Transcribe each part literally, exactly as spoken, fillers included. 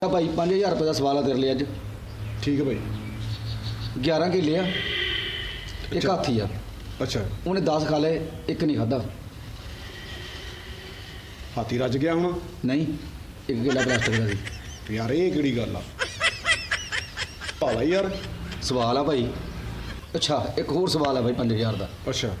भाई पाँच हज़ार रुपये का सवाल है तेरे लिए अज। ठीक है भाई। ग्यारह किले आ, एक अच्छा। हाथी आ। अच्छा, उन्हें दस खा ले, एक नहीं खादा। हाथी रज गया होना। नहीं, एक किला प्लास्टिक का सी। यार ये केड़ी गल आ भाला यार। सवाल आ भाई। अच्छा एक होर सवाल है भाई पाँच हज़ार का। अच्छा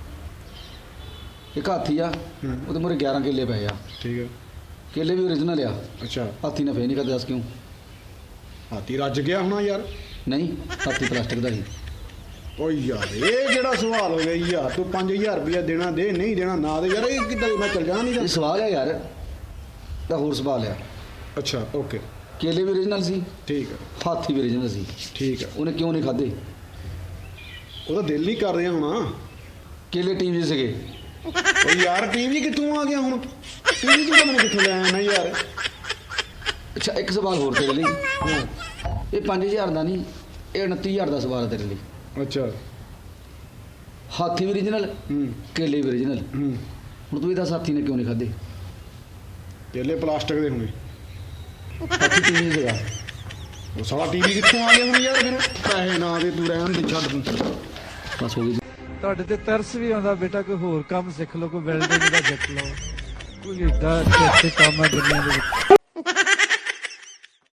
एक हाथी आ, हम्म। वो मेरे ग्यारह किले पे आ। ठीक है। केले भी ओरिजिनल आ। अच्छा, हाथी ने फे नहीं खाते, दस क्यों? हाथी रज गया होना यार। नहीं, हाथी प्लास्टिक का ही। ओ यार ये जेड़ा सवाल हो गया यार, तू पाँच हजार रुपया देना दे, नहीं देना ना दे। यार ये किद्दां मैं चल जाना ये नहीं। सवाल है यार, का होर सवाल है। अच्छा ओके केले भी ओरिजिनल सी, ठीक है हाथी भी ओरिजिनल सी। ठीक है। उन्हें क्यों नहीं खाते? ਉਹਦਾ ਦਿਲ ਨਹੀਂ ਕਰ ਰਿਹਾ ਹੋਣਾ। केले टीवी से ਓ ਯਾਰ ਟੀਵੀ ਕਿੱਥੋਂ ਆ ਗਿਆ ਹੁਣ? ਟੀਵੀ ਤੂੰ ਮੈਨੂੰ ਕਿੱਥੋਂ ਲੈ ਆਇਆ ਨਾ ਯਾਰ। अच्छा एक सवाल होर तेरे लिए। ਹਾਂ ये पाँच हज़ार का नहीं, ये उनती हज़ार का सवाल है तेरे लिए। ਅੱਛਾ हाथी भी ओरिजिनल, ਹੂੰ केले भी ओरिजिनल। ਹੂੰ ਹੁਣ ਤੂੰ ਇਹਦਾ ਸਾਥੀ ਨੇ ਕਿਉਂ ਨਹੀਂ ਖਾਦੇ? ਕੇਲੇ ਪਲਾਸਟਿਕ ਦੇ ਹੋਣੇ। ਹਾਥੀ ਟੀਵੀ ਸੀਗਾ। ਉਹ ਸਾਲਾ ਟੀਵੀ ਕਿੱਥੋਂ ਆ ਗਿਆ ਹੁਣ ਯਾਰ? ਫਿਰ ਪੈਸੇ ਨਾ ਦੇ ਤੂੰ ਰਹਿਣ ਦੇ, ਛੱਡ ਤੂੰ। ਬਸ ਹੋ ਗਈ। ਤੁਹਾਡੇ ਤੇ ਤਰਸ ਵੀ ਆਉਂਦਾ ਬੇਟਾ, ਕੋਈ ਹੋਰ ਕੰਮ ਸਿੱਖ ਲਓ, ਕੋਈ ਵੈਲਡਿੰਗ ਦਾ ਸਿੱਖ ਲਓ, ਕੋਈ ਏਦਾਂ ਅੱਛੇ ਅੱਛੇ ਕੰਮ ਆ ਦੁਨੀਆ ਦੇ ਵਿੱਚ।